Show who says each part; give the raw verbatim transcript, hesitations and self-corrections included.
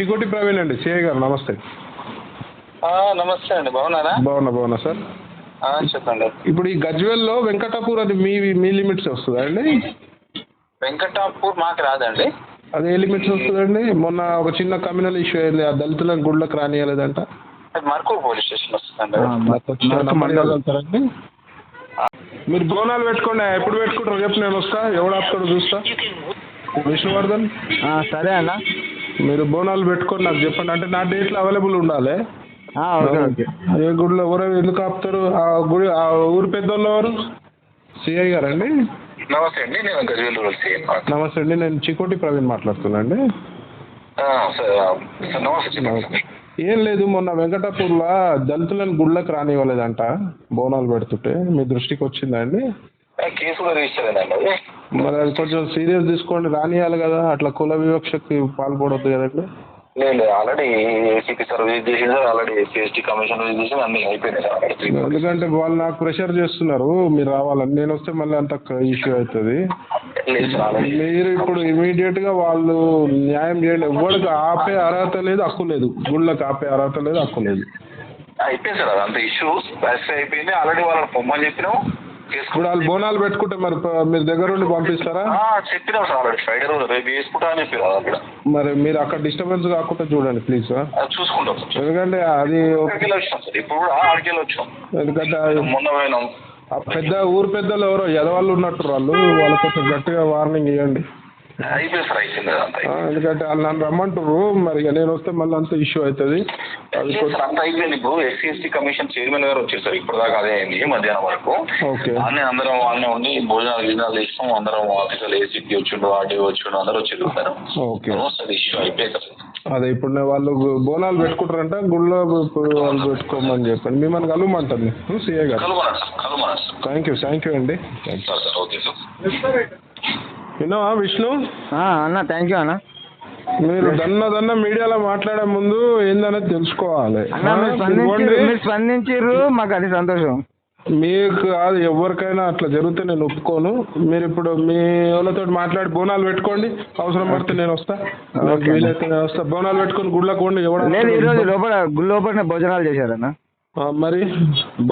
Speaker 1: చికోటి ప్రవీణ్ అండి, సిఐ గారు నమస్తే.
Speaker 2: నమస్తే అండి, బాగున్నారా?
Speaker 1: బాగున్నా బాగున్నా సార్.
Speaker 2: చెప్పండి.
Speaker 1: ఇప్పుడు ఈ గజ్వేల్లో వెంకటాపూర్ అది మీ మీ లిమిట్స్ వస్తుందా అండి?
Speaker 2: వెంకటాపూర్ మాకు రాదండి.
Speaker 1: అది ఏ లిమిట్స్ వస్తుందండి? మొన్న ఒక చిన్న కమ్యూనల్ ఇష్యూ అయింది, ఆ దళితులను గుళ్ళకి రానియలేదంట.
Speaker 2: అది మర్కూర్ పోలీస్ స్టేషన్ వస్తుందండి.
Speaker 1: మండలండి. మీరు బోనాలు పెట్టుకోండి, ఎప్పుడు పెట్టుకుంటారు చెప్పు, నేను వస్తా. ఎవడు ఆపుతాడు చూస్తా. విష్ణువర్ధన్
Speaker 3: సరే అన్న,
Speaker 1: మీరు బోనాలు పెట్టుకొని నాకు చెప్పండి. అంటే నా డేట్లో అవైలబుల్ ఉండాలి.
Speaker 3: Okay okay.
Speaker 1: ఏ గుడిలో ఎవరు ఎందుకు ఆపుతారు? ఆ గుడి ఆ ఊరు పెద్దోళ్ళు ఎవరు? సిఐ గారండి.
Speaker 2: నమస్తే అండి, నేను గజ్వేల్ సిఐ.
Speaker 1: నమస్తే అండి, నేను చికోటి ప్రవీణ్ మాట్లాడుతున్నా అండి.
Speaker 2: నమస్తే.
Speaker 1: ఏం లేదు, మొన్న వెంకటాపూర్లో దళితులను గుళ్ళకి రానివ్వలేదంట బోనాలు పెడుతుంటే, మీ దృష్టికి వచ్చిందా అండి?
Speaker 2: కేసు కూడా రిజిస్టర్ అయిందండి.
Speaker 1: మరి అది కొంచెం సీరియస్ తీసుకోండి, రానియాలి కదా, అట్లా కుల వివక్షకి పాల్పడవద్దు కదండి.
Speaker 2: లేదు, ఆల్రెడీ ఏసీపీ సార్ విజిట్ చేసింది సార్, already SC ST commission visit చేసి అన్ని అయిపోయినాయి సార్.
Speaker 1: ఎందుకంటే వాళ్ళు నాకు ప్రెషర్ చేస్తున్నారు మీరు రావాలని, నేను వస్తే మళ్ళీ అంత ఇష్యూ అవుతుంది. మీరు ఇప్పుడు ఇమీడియట్ గా వాళ్ళు న్యాయం చేయండి. ఎవరికి ఆపే అర్హత లేదు, హక్కు లేదు. గుళ్ళకి ఆపే అర్హత లేదు, హక్కు లేదు.
Speaker 2: అయిపోయింది సార్, అదంతా ఇష్యూ స్పాసిఫై అయిపోయింది. ఆల్రెడీ వాళ్ళని పొమ్మని చెప్పినాం.
Speaker 1: ఇప్పుడు వాళ్ళు బోనాలు పెట్టుకుంటే మరి మీరు దగ్గర ఉండి పంపిస్తారా?
Speaker 2: చెప్పినాం సార్, ఆల్రెడీ ఫ్రైడే రోజు రేపు వేసుకుంటా అని చెప్పి అక్కడ.
Speaker 1: మరి మీరు అక్కడ డిస్టర్బెన్స్ కాకుండా చూడండి ప్లీజ్ సార్.
Speaker 2: చూసుకుంటాం సార్.
Speaker 1: ఎందుకంటే అది
Speaker 2: వచ్చాం సార్, ఇప్పుడు కూడా ఆడికెళ్ళి వచ్చాం.
Speaker 1: ఎందుకంటే
Speaker 2: మొన్న పోయినాం.
Speaker 1: పెద్ద ఊరు పెద్దలు ఎవరో ఎదవాళ్ళు ఉన్నట్టు వాళ్ళు వాళ్ళ కొంచెం గట్టిగా వార్నింగ్ ఇవ్వండి.
Speaker 2: అయిపోయింది సార్, అయిపోయింది.
Speaker 1: ఎందుకంటే వాళ్ళు నన్ను రమ్మంటారు, మరి నేను వస్తే మళ్ళీ అంత ఇష్యూ అవుతుంది. అది
Speaker 2: అంత అయిపోయింది. ఇప్పుడు ఎస్సీ ఎస్టీ కమిషన్ చైర్మన్ గారు వచ్చేసారు, ఇప్పుడు దాకా అదే అయింది మధ్యాహ్నం వరకు.
Speaker 1: ఓకే.
Speaker 2: అన్నీ అందరం వాళ్ళనే ఉండి భోజనాలు గిజనాలు ఇస్తాం. అందరం ఆఫీసర్లు ఏసీపీ వచ్చిండు, ఆర్డీ వచ్చిండు, అందరూ వచ్చి చూస్తారు.
Speaker 1: ఓకే,
Speaker 2: ఇష్యూ అయిపోయింది.
Speaker 1: అదే ఇప్పుడు వాళ్ళు బోనాలు పెట్టుకుంటారంట, గుళ్ళో వాళ్ళు పెట్టుకోమని చెప్పండి. మిమ్మల్ని కలవమంటాను సిఐ గారు. థ్యాంక్ యూ థ్యాంక్ యూ అండి.
Speaker 2: Okay sir.
Speaker 1: విన్నావా విష్ణు?
Speaker 3: అన్న థ్యాంక్ యూ అన్న.
Speaker 1: మీరు దన్న దన్న మీడియాలో మాట్లాడే ముందు ఏందనేది తెలుసుకోవాలి.
Speaker 3: మీరు స్పందించారు, మాకు అది సంతోషం.
Speaker 1: మీకు కాదు, ఎవరికైనా అట్లా జరిగితే నేను ఒప్పుకోను. మీరు ఇప్పుడు మీ వాళ్ళతో మాట్లాడి బోనాలు పెట్టుకోండి, అవసరం పడితే నేను వస్తా. వీలైతే నేను వస్తా. బోనాలు పెట్టుకొని గుళ్ళకు పోండి. ఎవరు
Speaker 3: లేదు, ఈ రోజు లోపల గుడి లోపల భోజనాలు చేశారన్న.
Speaker 1: మరి